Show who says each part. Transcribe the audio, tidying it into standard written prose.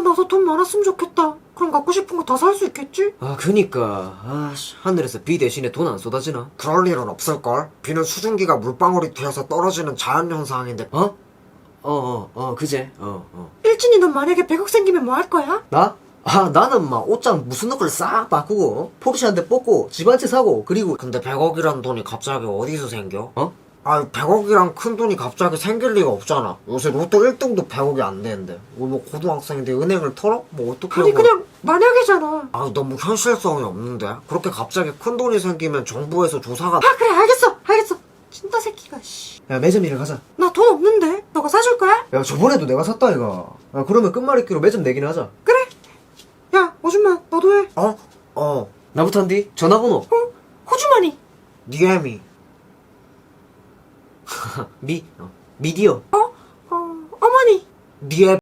Speaker 1: 나도 돈 많았으면 좋겠다. 그럼 갖고 싶은 거 다 살 수 있겠지?
Speaker 2: 아, 그니까. 아씨, 하늘에서 비 대신에 돈 안 쏟아지나?
Speaker 3: 그럴 일은 없을걸? 비는 수증기가 물방울이 튀어서 떨어지는 자연현상인데.
Speaker 2: 그제.
Speaker 1: 일진이 넌 만약에 100억 생기면 뭐 할 거야?
Speaker 2: 나? 나는 막 옷장 무슨 걸 싹 바꾸고, 포르쉐 한 대 뽑고, 집 한 채 사고, 그리고,
Speaker 3: 근데 100억이란 돈이 갑자기 어디서 생겨?
Speaker 2: 어?
Speaker 3: 아, 100억이란 큰 돈이 갑자기 생길 리가 없잖아. 요새 로또 1등도 100억이 안 되는데. 뭐 고등학생인데 은행을 털어? 뭐 어떻게
Speaker 1: 아니
Speaker 3: 하고.
Speaker 1: 그냥 만약이잖아.
Speaker 3: 아, 너무 현실성이 없는데? 그렇게 갑자기 큰 돈이 생기면 정부에서 조사가.
Speaker 1: 아 그래 알겠어. 진짜 새끼가 씨.
Speaker 2: 야, 매점 일을 가자.
Speaker 1: 나 돈 없는데 너가 사줄 거야?
Speaker 2: 야, 저번에도 내가 샀다, 이거. 야, 그러면 끝말잇기로 매점 내기나 하자.
Speaker 1: 그래. 야 오줌마 너도 해.
Speaker 2: 나부터 한디? 전화번호.
Speaker 1: 호주머니.
Speaker 3: 니엠이.
Speaker 2: 미디어.
Speaker 1: 어머니.
Speaker 3: 니엠.